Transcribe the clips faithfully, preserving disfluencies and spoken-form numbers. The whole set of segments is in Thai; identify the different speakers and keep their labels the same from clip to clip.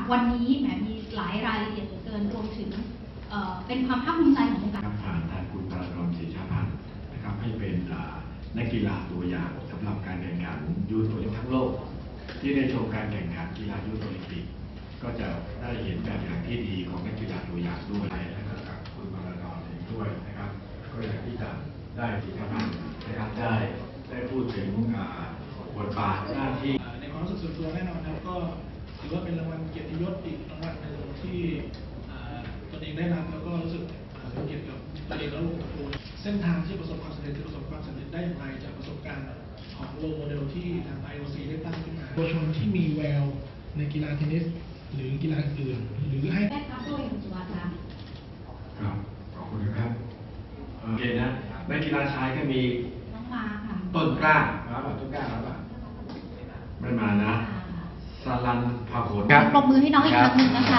Speaker 1: วันนี้แหมมีหลายรายละเอียดเหลือเกินรวมถึงเอ่อเป็นความภาคภูมิใจของวงการ
Speaker 2: ผ่านทางคุณปรารมศรีชาพันธ์นะครับให้เป็นนักกีฬาตัวอย่างสำหรับการแข่งขันยูโรทั้งโลกที่ได้ชมการแข่งขันกีฬายูโรโอลิมปิกก็จะได้เห็นแบบอย่างที่ดีของนักกีฬาตัวอย่างด้วยนะครับกับคุณปรารมเองด้วยนะครับก็อยากที่จะได้ศรีชาพันธ์นะครับได้ได้พูดถึงบทบาทหน้าที่
Speaker 3: ในความรู้สึกส่วนตัวแน่นอนครับก็ถือว่าเป็นรางวัลเกียรติยศอีกรางวัลหนึ่งที่ตนเองได้รับแล้วก็รู้สึกเป็นเกียรติกับตัวเองและวงตระกูลเส้นทางที่ประสบความสำเร็จที่ประสบความสำเร็จได้อย่างไรจากประสบการณ์ของโรโมเดลที่ทาง ไอ โอ ซี ได้ตั้งขึ้นมาเยาวชนที่มีแววในกีฬาเทนนิสหรือกีฬาอื่นหรือให้
Speaker 1: ได้ครับด้วยคุณสุวัสดิ์ครับ
Speaker 2: ครับขอบคุณครับโอเคนะนักกีฬาชายก็มี
Speaker 1: น้องมาค่ะ
Speaker 2: ต้นกล้าครับต้นกล้าครับไม่มานะสลันพาโหด
Speaker 1: ครับปรบมือให้น้องอีกครั้งหนึ่งนะคะ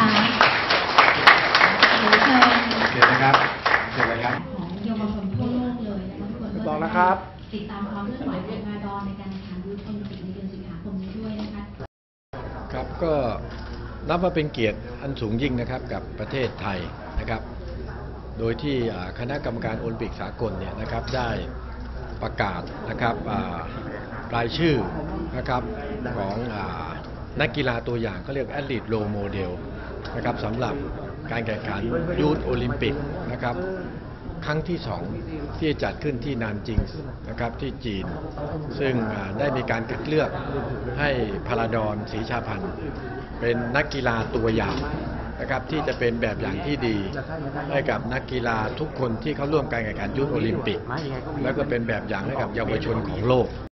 Speaker 1: เชิญ
Speaker 2: เชิญนะครับเชิญเลยครับ
Speaker 1: ของเยาวชนทั่วโลกเลยนะคะทุกคนก็จะได้ติดตามความเคลื่อนไหวของมาดอนในการแข่งขันยูโรโอลิมปิกในเดือนสิงหาคมนี้ด้วยนะคะ
Speaker 4: ครับก็นับว่าเป็นเกียรติอันสูงยิ่งนะครับกับประเทศไทยนะครับโดยที่คณะกรรมการโอลิมปิกสากลเนี่ยนะครับได้ประกาศนะครับรายชื่อนะครับของนักกีฬาตัวอย่างเขาเรียกแอตลีทโรโมเดลนะครับสำหรับการแข่งขันยูทโอลิมปิกนะครับครั้งที่สองที่จัดขึ้นที่นานจิงนะครับที่จีนซึ่งได้มีการคัดเลือกให้พาราดอนศรีชาพันธ์เป็นนักกีฬาตัวอย่างนะครับที่จะเป็นแบบอย่างที่ดีให้กับนักกีฬาทุกคนที่เข้าร่วมการแข่งขันยูทโอลิมปิกแล้วก็เป็นแบบอย่างให้กับเยาวชนของโลก